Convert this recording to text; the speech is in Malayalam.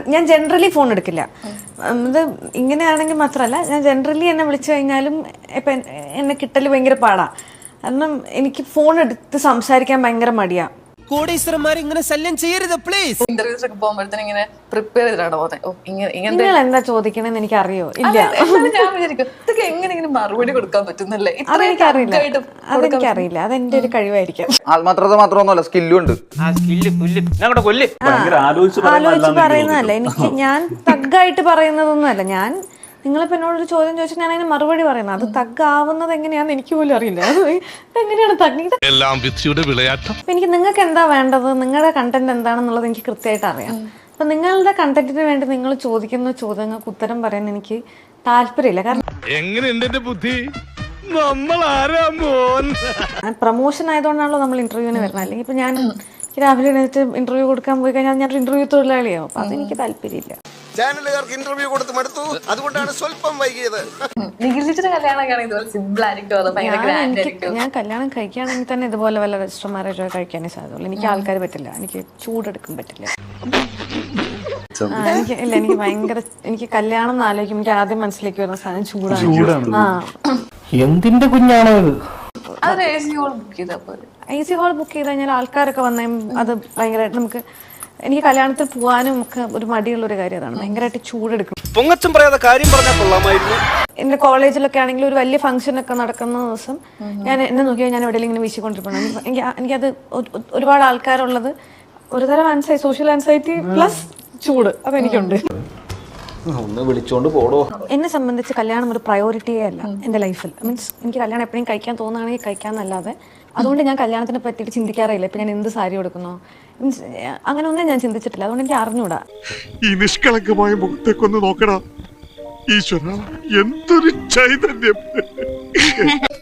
ഞാൻ ജനറലി ഫോൺ എടുക്കില്ല. ഇത് ഇങ്ങനെയാണെങ്കിൽ മാത്രമല്ല, ഞാൻ ജനറലി എന്നെ വിളിച്ചു കഴിഞ്ഞാലും ഇപ്പം എന്നെ കിട്ടൽ ഭയങ്കര പാടാ. കാരണം എനിക്ക് ഫോൺ എടുത്ത് സംസാരിക്കാൻ ഭയങ്കര മടിയാ. ഇങ്ങനെ ശല്യം ചെയ്യരുത് പ്ലീസ്. ഇന്റർവ്യൂസ് ഒക്കെ പോകുമ്പോഴത്തേനും ഇങ്ങനെ പ്രിപ്പയർ ചെയ്തിട്ടാണ് പോകുന്നത്. നിങ്ങൾ എന്താ ചോദിക്കണെന്ന് എനിക്ക് അറിയോ? ഇല്ല, ഞാൻ വിചാരിക്കും ഇതൊക്കെ എങ്ങനെ മറുപടി കൊടുക്കാൻ പറ്റുന്നല്ലേ? അതെനിക്കറിയില്ല. അതെന്റെ ഒരു കഴിവായിരിക്കും. ആത്മാർത്ഥത മാത്രമൊന്നുമല്ല, സ്കില്ലും ഉണ്ട്. ആലോചിച്ച് പറയുന്നതല്ല. എനിക്ക് ഞാൻ തഗ്ഗായിട്ട് പറയുന്നതൊന്നുമല്ല. ഞാൻ നിങ്ങളിപ്പോൾ എന്നോടൊരു ചോദ്യം ചോദിച്ചാൽ ഞാൻ അതിന് മറുപടി പറയുന്നത്. അത് തഗ്ഗാവുന്നത് എങ്ങനെയാണെന്ന് എനിക്ക് പോലും അറിയില്ല. എങ്ങനെയാണ് തഗ്ഗ? എനിക്ക് നിങ്ങൾക്ക് എന്താ വേണ്ടത്, നിങ്ങളുടെ കണ്ടന്റ് എന്താണെന്നുള്ളത് എനിക്ക് കൃത്യമായിട്ട് അറിയാം. അപ്പം നിങ്ങളുടെ കണ്ടന്റിന് വേണ്ടി നിങ്ങൾ ചോദിക്കുന്ന ചോദ്യങ്ങൾക്ക് ഉത്തരം പറയാൻ എനിക്ക് താല്പര്യമില്ല. കാരണം പ്രൊമോഷൻ ആയതുകൊണ്ടാണല്ലോ നമ്മൾ ഇന്റർവ്യൂവിന് വരുന്നത്. അല്ലെങ്കിൽ ഇപ്പം ഞാൻ രാവിലെ എഴുന്നേറ്റ് ഇന്റർവ്യൂ കൊടുക്കാൻ പോയി കഴിഞ്ഞാൽ ഞാൻ ഇന്റർവ്യൂ തൊഴിലാളിയാവും. അപ്പം അതെനിക്ക് താല്പര്യമില്ല. ചാനലുകാർക്ക് ഇന്റർവ്യൂ കൊടുത്ത് മടുത്തു, അതുകൊണ്ടാണ് സ്വല്പം വൈകിയത്. ഞാൻ കല്യാണം കഴിക്കുകയാണെങ്കിൽ തന്നെ ഇതുപോലെ വല്ല രജിസ്റ്റർ മാരേജോ കഴിക്കാനേ സാധ്യതയുള്ളൂ. എനിക്ക് ആൾക്കാർ പറ്റില്ല, എനിക്ക് ചൂടെടുക്കാൻ പറ്റില്ല. എനിക്ക് ഭയങ്കര, എനിക്ക് കല്യാണം എന്ന് ആലോചിക്കും എനിക്ക് ആദ്യം മനസ്സിലേക്ക് വരുന്ന സാധനം ചൂടാണ്. എന്തിന്റെ കുഞ്ഞാണോ ഇത്? AC ഹോൾ ബുക്ക് ചെയ്ത് കഴിഞ്ഞാൽ ആൾക്കാരൊക്കെ വന്നേ അത് ഭയങ്കരമായിട്ട് നമുക്ക്, എനിക്ക് കല്യാണത്തിൽ പോകാനും ഒക്കെ ഒരു മടിയുള്ള ഒരു കാര്യം അതാണ്. ഭയങ്കരമായിട്ട് ചൂടെടുക്കും. പൊങ്ങച്ചം പറയാതെ കാര്യം പറഞ്ഞാൽ കൊള്ളാമായിരുന്നു. എന്റെ കോളേജിലൊക്കെ ആണെങ്കിൽ ഒരു വലിയ ഫംഗ്ഷൻ ഒക്കെ നടക്കുന്ന ദിവസം ഞാൻ എന്നെ നോക്കിയാൽ ഞാൻ എവിടെയെങ്കിലും ഇങ്ങനെ വീശിക്കൊണ്ടിരിക്കണം. എനിക്കത് ഒരുപാട് ആൾക്കാരുള്ളത് ഒരുതരം സോഷ്യൽ ആൻസൈറ്റി പ്ലസ് ചൂട് അതെനിക്കുണ്ട്. ഒന്ന് വിളിച്ചോണ്ട് പോടോ. എന്നെ സംബന്ധിച്ച് കല്യാണം ഒരു പ്രയോറിറ്റിയേ അല്ല എൻ്റെ ലൈഫിൽ. മീൻസ് എനിക്ക് കല്യാണം എപ്പോഴും കഴിക്കാൻ തോന്നുകയാണെങ്കിൽ കഴിക്കാമെന്നല്ലാതെ അതുകൊണ്ട് ഞാൻ കല്യാണത്തിനെ പറ്റിയിട്ട് ചിന്തിക്കാറില്ല. ഇപ്പം ഞാൻ എന്ത് സാരി കൊടുക്കുന്നോ, മീൻസ് അങ്ങനെ ഒന്നും ഞാൻ ചിന്തിച്ചിട്ടില്ല. അതുകൊണ്ട് എനിക്ക് അറിഞ്ഞൂടാ. ഈ നിഷ്കളങ്കമായ മുഖത്തേക്കൊന്ന് നോക്കടാ ഈശ്വര, എന്തൊരു ചൈതന്യം.